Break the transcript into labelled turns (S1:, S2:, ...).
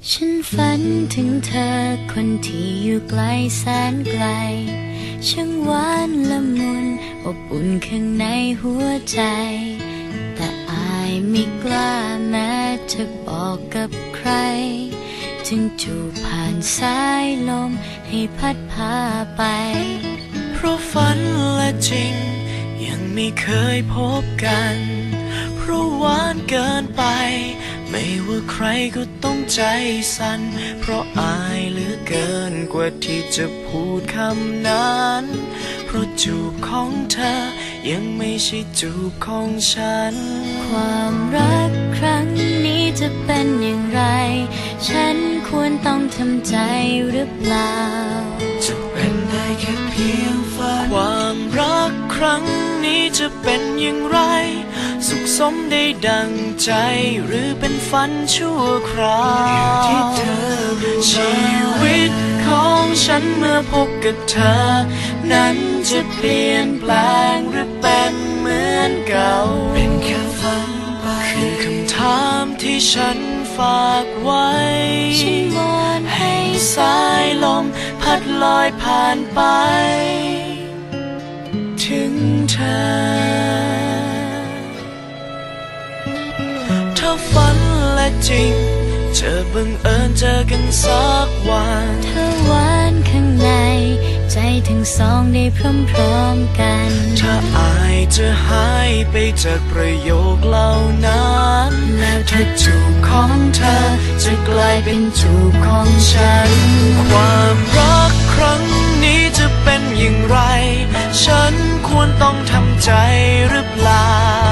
S1: ฉันฝันถึงเธอคนที่อยู่ไกลแสนไกลช่างหวานละมุนอบอุ่นข้างในหัวใจแต่อายไม่กล้าแม้จะบอกกับใครจึงจูบผ่านสายลมให้พัดพาไป
S2: เพราะฝันและจริงยังไม่เคยพบกันเพราะหวานเกินไปไม่ว่าใครก็ต้องใจสั่นเพราะอายเหลือเกินกว่าที่จะพูดคำนั้นเพราะจูบของเธอยังไม่ใช่จูบของฉัน
S1: ความรักครั้งนี้จะเป็นอย่างไรฉันควรต้องทำใจหรือเปล่า
S2: จะเป็นได้แค่เพียงฝันความรักครั้งนี้จะเป็นอย่างไรสุขสมได้ดังใจหรือเป็นฝันชั่วคราวอยู่ที่เธอชีวิตของฉันเมื่อพบกับเธอนั้นจะเปลี่ยนแปลงหรือเป็นเหมือนเก่าเป็นแค่ฝันไปคือคำถามที่ฉันฝากไว้
S1: ฉันวอน
S2: ให้สายลมพัดลอยผ่านไปถึงเธอถ้าฝันและจริงจะบังเอิญเจอกันสักวัน
S1: เธอหวานข้างในใจทั้งสองได้พร้อมๆกัน
S2: ถ้าอายจะหายไปจากประโยคเหล่านั้น
S1: แล้ว
S2: ถ้าจูบของเธอจะกลายเป็นจูบของฉันความรักครั้งนี้จะเป็นอย่างไรฉันควรต้องทำใจหรือเปล่า